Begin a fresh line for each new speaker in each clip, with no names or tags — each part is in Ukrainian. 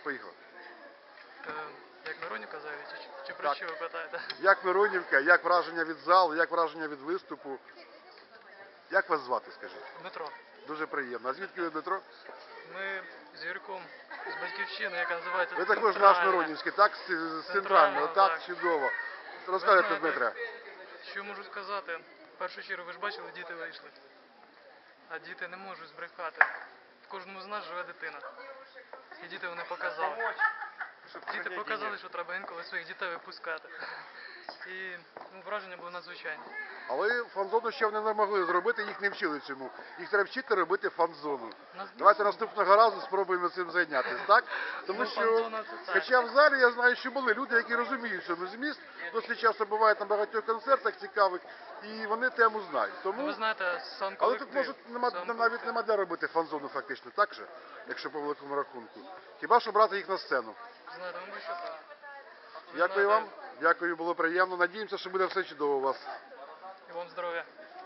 поїхали.
Як Миронівка взагалі, чи про що ви питаєте?
Як Миронівка, як враження від залу, як враження від виступу? Як вас звати, скажіть?
Дмитро.
Дуже приємно. А звідки ви, Дмитро?
Ми з Юрком з Батьківщини, яка називається
Ви також наш Миронівський, так? З центрального, так, чудово. Розказуйте, Дмитре.
Що можу сказати? В першу чергу, ви ж бачили, діти вийшли. А діти не можуть збрехати. В кожному з нас живе дитина. І діти вони показали. Діти показали, що треба інколи своїх дітей випускати. І враження було надзвичайне.
Але фан-зону ще вони не могли зробити, їх не вчили цьому. Їх треба вчити робити фан-зону. Давайте наступного разу спробуємо цим зайнятися, так? Тому що, хоча в залі я знаю, що були люди, які розуміють цьому зміст, досить часто бувають на багатьох концертах цікавих, і вони тему знають. Тому...
Ви знаєте, сам
Але
колектив.
тут навіть нема де робити фан-зону фактично, так же? Якщо по великому рахунку. Хіба що брати їх на сцену.
Знаєте, мабуть, що так.
Дякую вам. Дякую, було приємно. Надіємося, що буде все чудово у вас.
І вам здоров'я.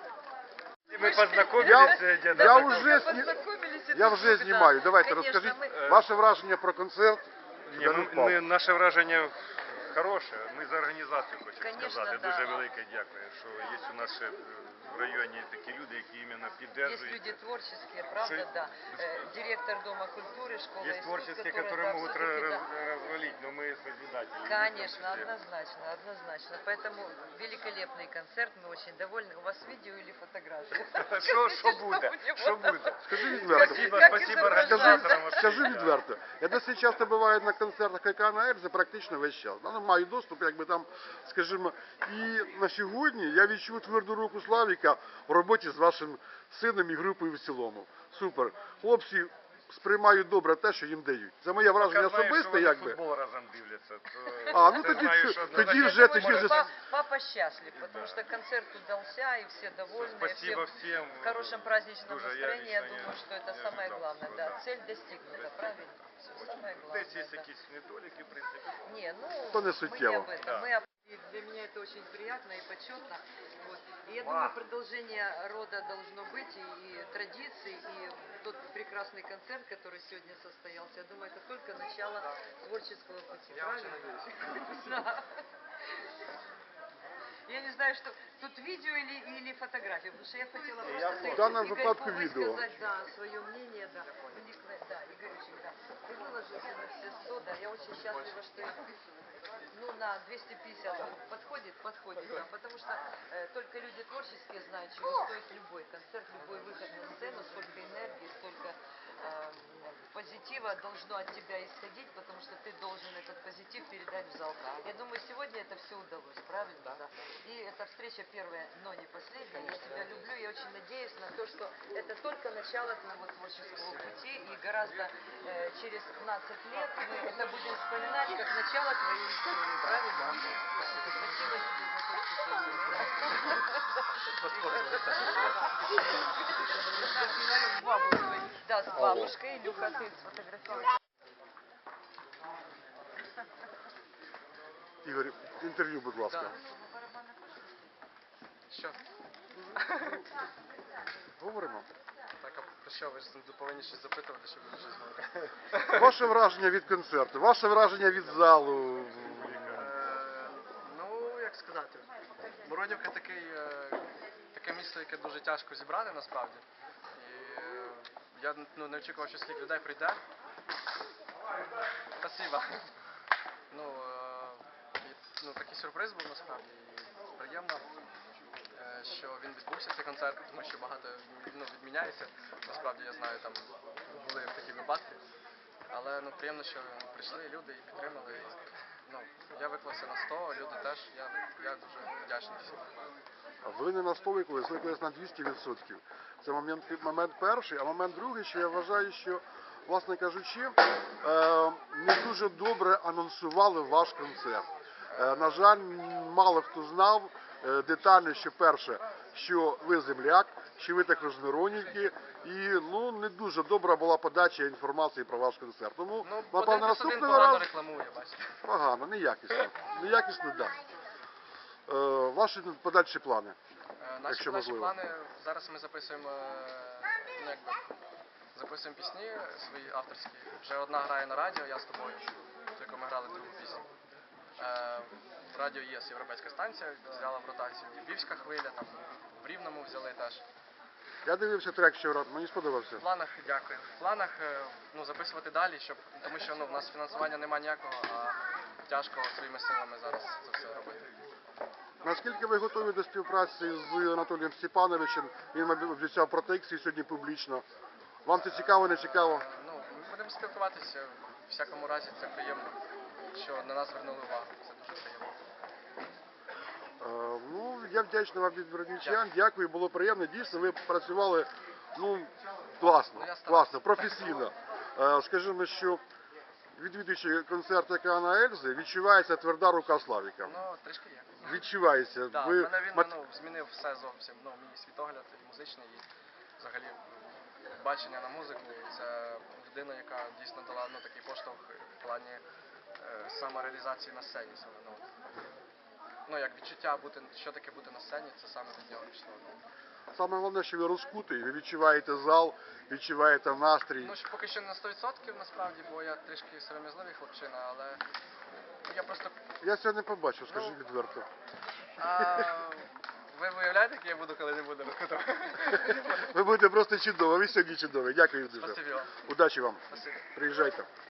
Мы познакомились,
Я вже знімаю. Давайте, розкажіть ваше враження про концерт.
Наше враження хороше. Ми за організацію хочемо
Конечно,
сказати.
да.
Дуже велике дякую, що є у нас ще в районі такі люди, які іменно
Есть
підтримують.
люди творческие, правда, да. Директор Дома культуры, школы
Есть
искусств,
творческие,
которые,
которые
да,
могут
все-таки, да.
развалить, но мы созидатели.
Конечно, однозначно, однозначно. Поэтому великолепный концерт, мы очень довольны. У вас видео или фотография?
Що буде? Що буде?
Скажи відверто.
Спасибо організаторам.
Скажу відверто. Я досить часто буваю на концертах Кайкана Ельзи практично весь час. Я маю доступ, якби там, скажімо, і на сьогодні я відчув тверду руку Славіка в роботі з вашим сином і групою в цілому. Супер. Хлопці сприймають добре те, що їм дають. Це моє враження особисте, якби.
Футбол разом дивляться.
Тоді вже...
Папа счастлив, потому что концерт удался, и все довольны.
Спасибо всем.
В хорошем праздничном
Дуже,
настроении, я
лично
думаю, что это
не
самое
ожидал
главное.
цього,
Да,
да.
цель достигнута, правильно? Все самое главное.
Десь є
да.
якісь недоліки, в принципі.
Не, ну,
То не
мы не
суттєво.
об этом.
Да.
И для меня это очень приятно и почетно. Вот. И я думаю, продолжение рода должно быть, и традиций, и тот прекрасный концерт, который сегодня состоялся, я думаю, это только начало творческого пути. Правильно? Да. Я не знаю, что тут видео или фотография, потому что я хотела просто...
В данном
Игорь,
выпадку
вы
видео.
высказать, да, свое мнение, да. Да, Игорючек, да. Ты выложился на все 100, да. Я очень счастлива, что ну, на 250 подходит, да. Потому что только люди творческие знают, чего стоит любой концерт, любой выход на сцену, сколько энергии, сколько позитива должно от тебя исходить, потому что ты должен этот позитив передать в зал. Я думаю, сегодня это все удалось, правильно? Да. И эта встреча первая, но не последняя. Я тебя люблю, я очень надеюсь на то, что это только начало твоего творческого пути, и гораздо через 15 лет мы это будем вспоминать как начало твоей истории, правильно? Спасибо тебе за то, что ты есть. Да, с бабушкой. Илюха, ты сфотографируй.
Ігор, інтерв'ю, будь ласка.
Що?
Говоримо.
Так, а про що? Ви ж повинні щось запитувати, щоб ви щось говорили.
Ваше враження від концерту, ваше враження від залу.
Ну, як сказати, Миронівка таке місто, яке дуже тяжко зібрати насправді. І я не очікував, що скільки людей прийде. Спасибо. Такий сюрприз був насправді. І приємно, що він відбувся, цей концерт, тому що багато відміняється. Насправді, я знаю, там були такі випадки. Але приємно, що прийшли люди і підтримали. Я виклався на 100, люди теж. Я дуже вдячний всім.
Ви не на 100 виклались, виклались на 200%. Це момент перший, а момент другий, що я вважаю, що, власне кажучи, не дуже добре анонсували ваш концерт. На жаль, мало хто знав детально, що перше, що ви земляк, що ви також з Миронівки, і не дуже добра була подача інформації про ваш концерт. Тому, напевно, наступного разу...
рекламує, бачите.
Погано, неякісно. Неякісно, так. Ваші подальші плани?
Наші подальші плани, зараз ми записуємо записуємо пісні свої авторські. Вже одна грає на радіо, я з тобою, ту, яку ми грали другу пісню. Радіо ЄС, європейська станція, взяла в ротацію. Львівська хвиля, там в Рівному взяли теж.
Я дивився трек вчора, мені сподобався.
В планах, дякую. В планах записувати далі, тому що в нас фінансування немає ніякого, а тяжко своїми силами зараз це все робити.
Наскільки ви готові до співпраці з Анатолієм Степановичем? Він обіцяв протекції сьогодні публічно. Вам це цікаво, не цікаво?
Ми будемо спілкуватися, в всякому разі це приємно, що на нас звернули увагу, це дуже приємно.
Ну, я вдячний вам від бродівчан, дякую, було приємно. Дійсно, ви працювали, класно,
Ну, я старався.
класно, професійно. Скажімо, що відвідуючи концерт Океана Ельзи, відчувається тверда рука Славіка.
Трішки є.
Відчувається.
Да,
Ви
мене він змінив все зовсім, мій світогляд і музичний, і взагалі бачення на музику. Це людина, яка дійсно дала такий поштовх в плані самореалізації на сцені. Як відчуття, що таке бути на сцені, це саме від нього пішло.
Саме головне, що ви розкутий, ви відчуваєте зал, відчуваєте настрій.
Поки що не на 100% насправді, бо я трішки сором'язливий хлопчина, але я просто...
Я цього не побачив, скажи відверто.
Ви виявляєте, який я буду, коли не буду розкутувати?
Ви будете просто чудово, ви сьогодні чудові. Дякую дуже.
Спасибі вам.
Удачі вам.
Спасибі.
Приїжджайте.